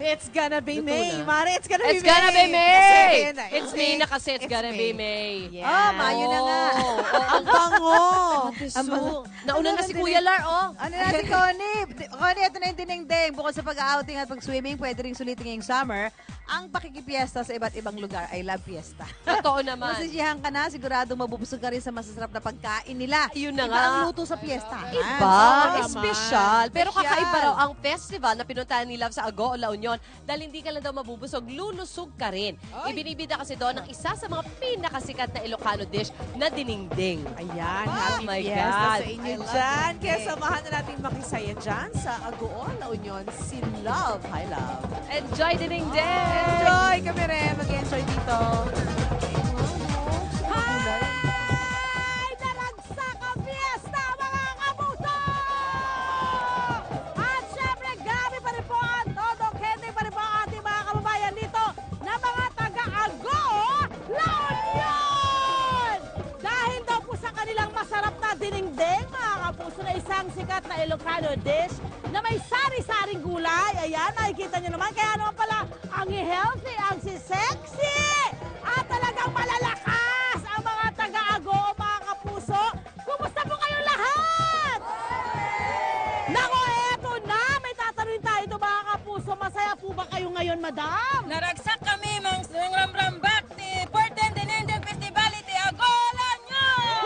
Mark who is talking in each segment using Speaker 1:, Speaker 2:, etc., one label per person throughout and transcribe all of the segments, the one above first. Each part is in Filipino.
Speaker 1: It's gonna be
Speaker 2: Luto
Speaker 1: May,
Speaker 2: na.
Speaker 1: Mare. It's gonna be
Speaker 2: It's
Speaker 1: May.
Speaker 2: gonna be May!
Speaker 1: Kasi-
Speaker 2: It's May na kasi it's
Speaker 1: It's
Speaker 2: gonna be
Speaker 1: May.
Speaker 2: May.
Speaker 1: Yeah.
Speaker 3: Mayo na nga.
Speaker 1: Ang bango.
Speaker 2: Nauna na si Kuya Lar, oh.
Speaker 3: Ano na si Connie? Connie, ito na yung dinengdeng. Bukod sa pag-outing at pag-swimming, pwede rin sulitin ngayong summer. Ang pakikipiesta sa iba't ibang lugar ay Love Fiesta.
Speaker 2: Totoo naman.
Speaker 3: Masisiyahan ka na, sigurado mabubusog ka rin sa masasarap na pagkain nila.
Speaker 2: Yun na
Speaker 3: Iba
Speaker 2: nga.
Speaker 3: ang luto sa fiesta.
Speaker 2: Iba,
Speaker 1: Oo,
Speaker 2: espesyal. Pero
Speaker 3: Espesyal.
Speaker 2: kakaiba raw ang festival na pinuntahan ni Love sa Agoo, La Union. Dahil hindi ka lang daw mabubusog, lulusog ka rin. Ibinibida kasi doon ang isa sa mga pinakasikat na Ilocano dish na dinengdeng.
Speaker 1: Ayan,
Speaker 2: Oh
Speaker 1: happy
Speaker 2: my
Speaker 1: fiesta
Speaker 2: God.
Speaker 1: sa inyo
Speaker 3: I love
Speaker 1: dyan.
Speaker 3: it.
Speaker 1: Kaya samahan na natin makisaya dyan sa Agoon, La Union, si Love. Hi, Love.
Speaker 2: Enjoy dinengdeng!
Speaker 1: Enjoy! Kami rin mag-enjoy dito.
Speaker 4: Hi! Naragsak ang fiesta, mga kapuso! At syempre, grabe pa rin po ang todo kende pa rin po ang ating mga kababayan dito na mga taga-Ago, La Union! Dahil daw po sa kanilang masarap na dinengdeng, mga kapuso, na isang sikat na Ilocano dish na may sari-saring gulay. Ayan, nakikita nyo naman. Kaya naman pala, ang healthy, ang sexy, at talagang malalakas ang mga taga-Ago, mga kapuso. Kumusta po kayong lahat? Nako, eto na. May tatanungin tayo ito, mga kapuso. Masaya po ba kayo ngayon, madam?
Speaker 5: Naragsak kami mang ramrambak ti Porten Dinendeng Festivality Agolan nyo!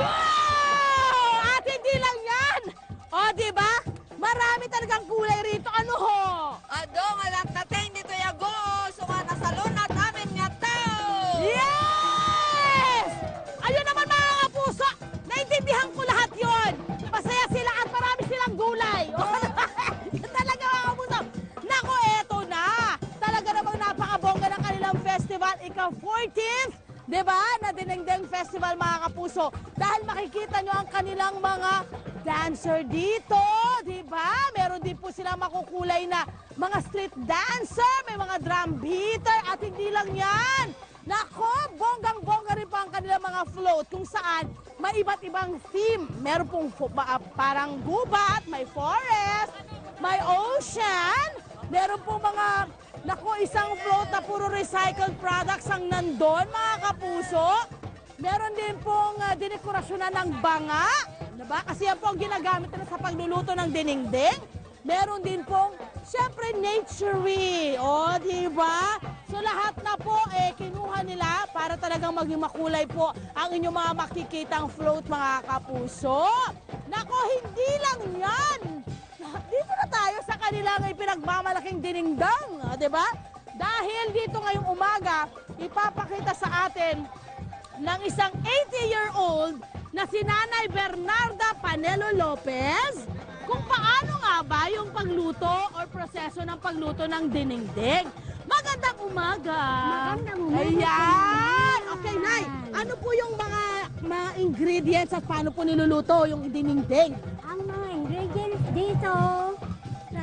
Speaker 4: Wow! At hindi lang yan. O, di ba? Marami talagang kulay rito. Ano ho?
Speaker 5: Adong alat natin dito yago, suka na salon at amin nga tao!
Speaker 4: Yes! Ayun naman, mga kapuso. Naintindihan ko lahat yon. Masaya sila at marami silang gulay. Talaga, mga kapuso. Nako, eto na. Talaga namang napakabongga ng kanilang festival. Ika-14th, di ba? Na Dinengdeng Festival, mga kapuso. Dahil makikita nyo ang kanilang mga dancer dito, di ba? Meron din po silang makukulay na mga street dancer, may mga drum beater, at hindi lang yan. Nako, bonggang-bongga rin pa ang kanilang mga float kung saan may iba't ibang theme. Meron pong parang gubat, may forest, may ocean, meron pong mga, nako, isang float na puro recycled products ang nandun, mga kapuso. Meron din pong dinekorasyonan ng banga, diba? Kasi yan po ang ginagamit nila sa pagluluto ng dinengdeng. Meron din pong, syempre, nature-y. O, diba? So, lahat na po, kinuha nila para talagang maging makulay po ang inyong mga makikitang float, mga kapuso. Nako, hindi lang yan. Dito na tayo sa kanilang ipinagmamalaking dinengdeng, diba? Dahil dito ngayong umaga, ipapakita sa atin ng isang 80-year-old na si Nanay Bernarda Panelo Lopez kung paano nga ba yung pagluto or proseso ng pagluto ng dinengdeng. Magandang umaga!
Speaker 6: Magandang umaga.
Speaker 4: Ayan! Okay, Nay, ano po yung mga ingredients at paano po niluluto yung dinengdeng?
Speaker 6: Ang mga ingredients dito sa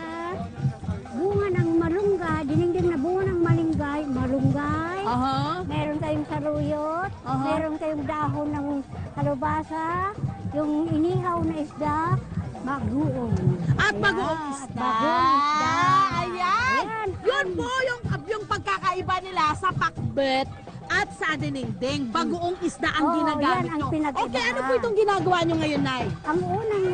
Speaker 6: bunga ng malunggay, dinengdeng na bunga ng malunggay. Meron tayong saruyot, meron tayong dahon ng kalubasa, yung inihaw na isda, bagoong.
Speaker 4: At
Speaker 6: Ayan,
Speaker 4: bagoong isda.
Speaker 6: bagoong isda.
Speaker 4: Ayan.
Speaker 6: Ayan.
Speaker 4: Yun po yung pagkakaiba nila sa pakbet at sa dinengdeng. Bagoong isda ang
Speaker 6: Oo,
Speaker 4: ginagamit
Speaker 6: yan ang
Speaker 4: nyo.
Speaker 6: pinag-ibahan.
Speaker 4: Okay, ano po itong ginagawa nyo ngayon, Nay?
Speaker 6: Ang unang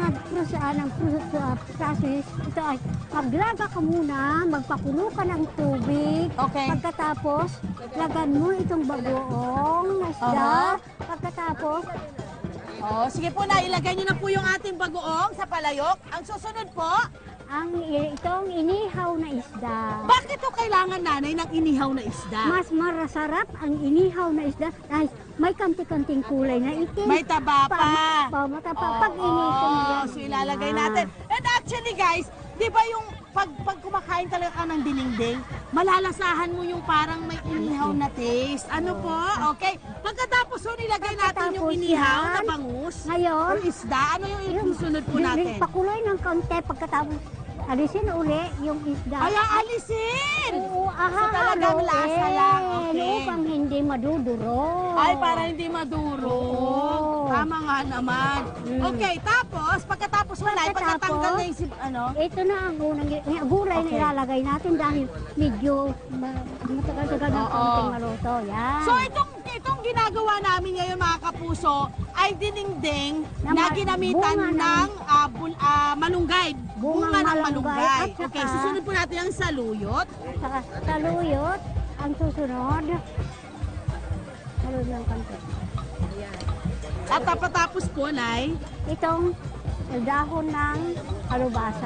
Speaker 6: process, ito ay maglaga ka muna, magpakulo ka ng tubig.
Speaker 4: Okay.
Speaker 6: Pagkatapos, lagan mo itong bagoong na isda. Pagkatapos,
Speaker 4: Oh, sige po, Nay, ilagay nyo na po yung ating bagoong sa palayok. Ang susunod po,
Speaker 6: itong inihaw na isda.
Speaker 4: bakit to kailangan, Nanay, ng inihaw na isda?
Speaker 6: Mas marasarap ang inihaw na isda dahil may kanti-kanting kulay na itim.
Speaker 4: May taba pa.
Speaker 6: Pag initin mo yan.
Speaker 4: So ilalagay natin. And actually, guys, di ba yung pag kumakain talaga ka ng dinengdeng, malalasahan mo yung parang may inihaw na taste. Ano po? Okay. Pagkatapos so nilagay natin yung
Speaker 6: Pagkatapos
Speaker 4: inihaw
Speaker 6: yan,
Speaker 4: na bangus
Speaker 6: ngayon,
Speaker 4: or isda. Ano yung susunod po natin?
Speaker 6: Pakuloy ng kaunti pagkatapos alisin uli yung isda.
Speaker 4: Ay, alisin!
Speaker 6: Oo, Aha,
Speaker 4: talagang lasa lang, okay.
Speaker 6: Upang hindi maduduro.
Speaker 4: Ay, para hindi maduro.
Speaker 6: Oo.
Speaker 4: Tama nga naman. Okay, tapos, pagkatapos mo na, pagkatanggal na yung ano?
Speaker 6: Ito na ang unang gulay na
Speaker 4: Okay.
Speaker 6: ilalagay natin dahil medyo matagal-tagal ng
Speaker 4: Oo.
Speaker 6: konting maluto. Yan.
Speaker 4: So, itong ginagawa namin ngayon, mga kapuso, ay dinengdeng
Speaker 6: Na
Speaker 4: na
Speaker 6: ma-
Speaker 4: ginamitan
Speaker 6: bunga
Speaker 4: ng malunggay. Bunga ng
Speaker 6: malunggay.
Speaker 4: malunggay.
Speaker 6: At saka-
Speaker 4: Okay, susunod po natin ang saluyot.
Speaker 6: Saka saluyot, ang susunod. Saluyot ng konti.
Speaker 4: At tapos po, Nay.
Speaker 6: Itong dahon ng alubasa.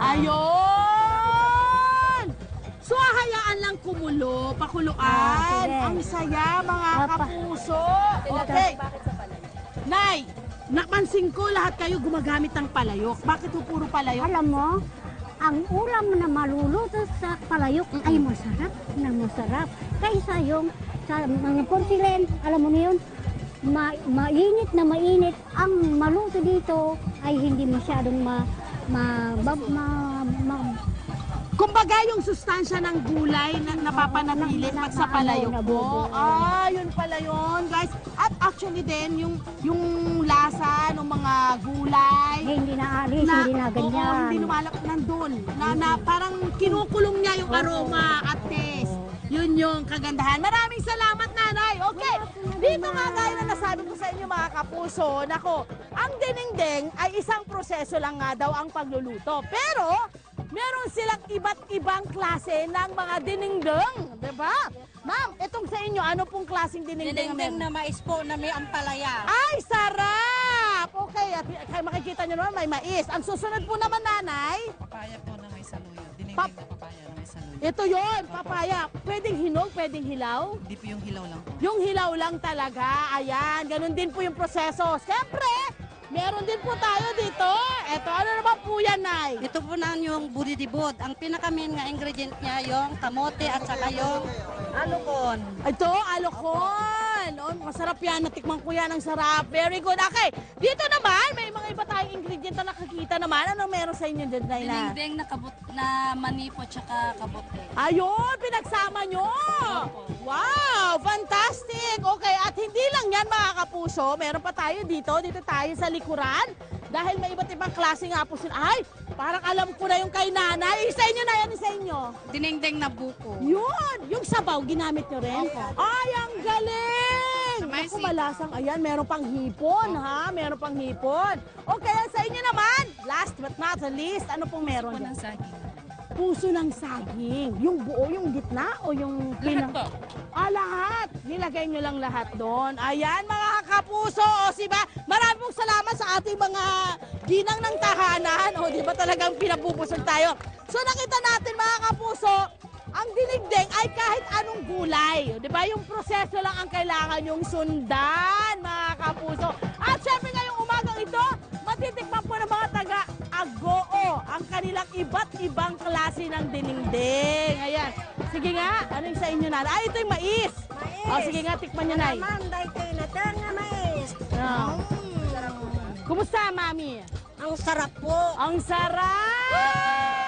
Speaker 4: Ayun! So, hayaan lang kumulo, pakuluan.
Speaker 6: Ah, sige.
Speaker 4: Ang saya, mga
Speaker 6: Papa.
Speaker 4: kapuso. Okay. Nay, napansin ko lahat kayo gumagamit ng palayok. Bakit po puro palayok?
Speaker 6: Alam mo, ang ulam na maluluto sa palayok ay masarap na masarap. Kaysa yung sa mga porcelain, alam mo na yun, mainit na mainit. Ang maluto dito ay hindi masyadong
Speaker 4: Kumbaga yung sustansya ng gulay na napapanatili pag sa palayok po. Ah, yun pala yun, guys. At actually din, yung lasa ng mga gulay,
Speaker 6: hindi na alis, hindi na ganyan.
Speaker 4: Oo, hindi lumalak nandun. Na parang kinukulong niya yung aroma at taste. Yun yung kagandahan. Maraming salamat, Nanay. Okay, dito nga gaya na nasabi ko sa inyo, mga kapuso, nako, ang dinengdeng ay isang proseso lang nga daw ang pagluluto. Pero, meron silang iba't ibang klase ng mga dinengdeng. Diba? Ma'am, itong sa inyo, ano pong klaseng dinengdeng?
Speaker 5: Dinengdeng na mais po na may ampalaya.
Speaker 4: Ay, sarap! Okay, at makikita nyo naman may mais. Ang susunod po naman, Nanay,
Speaker 7: Papaya po na may saluyot. Dinengdeng
Speaker 4: Pap-
Speaker 7: na papaya na may saluyot.
Speaker 4: ito yon, papaya. Pwedeng hinog, pwedeng hilaw.
Speaker 7: Hindi po yung hilaw lang po.
Speaker 4: Yung hilaw lang talaga. Ayan, ganun din po yung proseso. Siyempre, meron din po tayo dito. Ito, ano naman po yan, Nay?
Speaker 8: Ito po na yung buridibod. Ang pinaka-main nga ingredient niya yung kamote at saka yung alukon.
Speaker 4: Ito, alokon. Oh, masarap yan. Natikman ko yan. Ang sarap. Very good. Okay, dito naman, may mga iba tayong ingredient na nakakita naman. Anong meron sa inyo dyan, Nay?
Speaker 8: Dinengdeng na manipo at saka kabote.
Speaker 4: Ayun, pinagsama nyo. Wow, fantastic. Okay, at hindi lang yan, mga kapuso. Meron pa tayo dito. Dito tayo sa likuran. Dahil may iba't ibang klase nga po sila. Ay, parang alam ko na yung kay Nanay. Sa inyo na yan, sa inyo.
Speaker 8: Dinengdeng na buko.
Speaker 4: Yun, yung sabaw, ginamit nyo rin? Ay, ang galing! Naku, malasang. Ayan, meron pang hipon, ha? Meron pang hipon. Okay, sa inyo naman, last but not the least, ano pong meron dyan? Puso ng saging. Yung buo, yung gitna o yung pinang... Lahat. Nilagay nyo lang lahat doon. Ayan, mga kapuso. O, diba? Maraming pong salamat sa ating mga ginang ng tahanan. O, diba talagang pinapupusog tayo? So, nakita natin, mga kapuso, ang dinigdeng ay kahit anong gulay. O, diba? Yung proseso lang ang kailangan yung sundan, mga kapuso. At syempre ngayong umagang ito, matitikman po ng mga taga-Agoo ang kanilang iba't ibang klase ng dinengdeng. Ayan. Sige nga, ano yung sa inyo, Nanay? Ay, ito yung mais. O, sige nga, tikman nyo, Nay.
Speaker 6: Manday kayo na nga mais.
Speaker 4: Kumusta, Mami?
Speaker 6: Ang sarap po.
Speaker 4: Ang sarap!